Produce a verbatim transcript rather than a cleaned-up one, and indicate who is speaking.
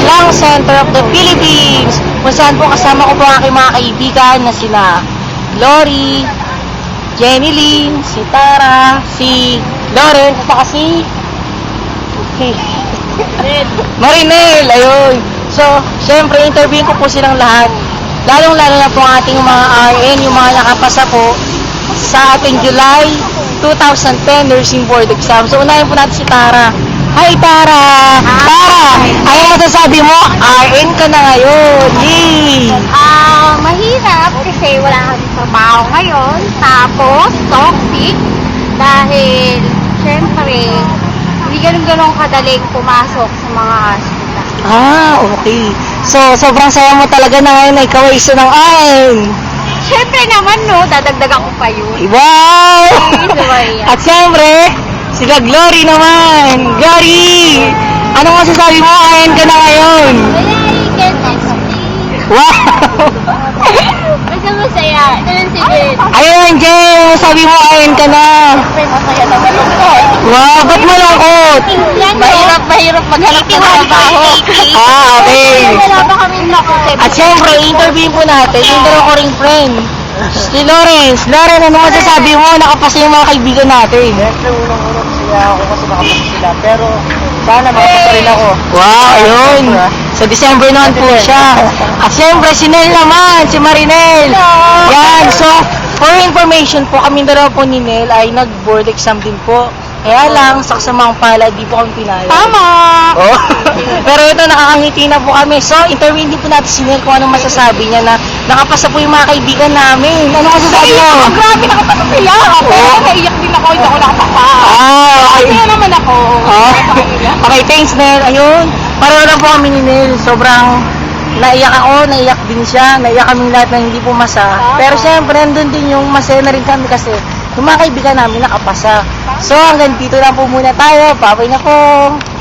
Speaker 1: Lang Center of the Philippines, kung saan po kasama ko po ang aking mga kaibigan na sina Glory, Jenny Lynn, si Tara, si Lauren, at saka si Marinel, ayun. So, syempre, interview ko po silang lahat. Lalong-lalo na po ang ating mga R N, yung mga nakapasa po sa ating July twenty ten nursing board exam. So, unahin po natin si Tara. Hi, Tara! Tara! Ano masasabi mo? R N ka na ngayon. Yay!
Speaker 2: Ah, mahirap kasi wala kang trabaho ngayon. Tapos, toxic. Dahil, syempre, hindi ganun-ganun kadaling pumasok sa mga hospital.
Speaker 1: Ah, okay. So, sobrang saya mo talaga na ngayon na ikaw ay isa ng R N.
Speaker 2: Syempre naman, no, dadagdagan ko pa yun.
Speaker 1: Wow! At siyempre, sila Glory naman. Glory! Anong masasabi mo? R N ka na ngayon. Wow!
Speaker 2: Basta masaya. Ito yung sige.
Speaker 1: Ayun, Jen, sabi mo R N ka na.
Speaker 2: Masaya naman ako.
Speaker 1: Wow, ba't malungkot?
Speaker 2: Mahirap, mahirap maghanap ng trabaho.
Speaker 1: Ah, okay.
Speaker 2: Wala pa kami nakutip.
Speaker 1: At syempre, interview po natin yung dalawa ko ring friend. Si Lawrence. Lawrence, ano masasabi mo? Nakapasa yung mga kaibigan natin.
Speaker 3: Siyempre, unang-unang siya ako kasi nakapasa sila. Pero, sana makapasa rin ako.
Speaker 1: Wow, ayun. Sa December naman po siya. At syempre, si Nel naman, si Marinel. Yan, so, for information po, kami dalawa po ni Nel ay nag-board exam din po. Kaya lang, sa kasamang pala, di po kami pinayag.
Speaker 2: Tama!
Speaker 1: Oh. Pero ito, nakakangiti na po kami. So, interview din po natin si Nel kung anong masasabi niya na nakapasa po yung mga kaibigan namin. Ano masasabi mo?
Speaker 2: Oh, grabe, nakapasa sila. Pero naiyak din ako, hindi ako nakapasa.
Speaker 1: Ah, okay.
Speaker 2: Kaya naman ako.
Speaker 1: Oh. Okay, thanks, Nel. Ayun, pareho lang po kami ni Nel. Sobrang naiyak ako, naiyak din siya. Naiyak kaming lahat na hindi pumasa. Pero syempre, nandun din yung masaya na rin kami kasi yung mga kaibigan namin nakapasa. So, hanggang dito lang po muna tayo. Babay na po.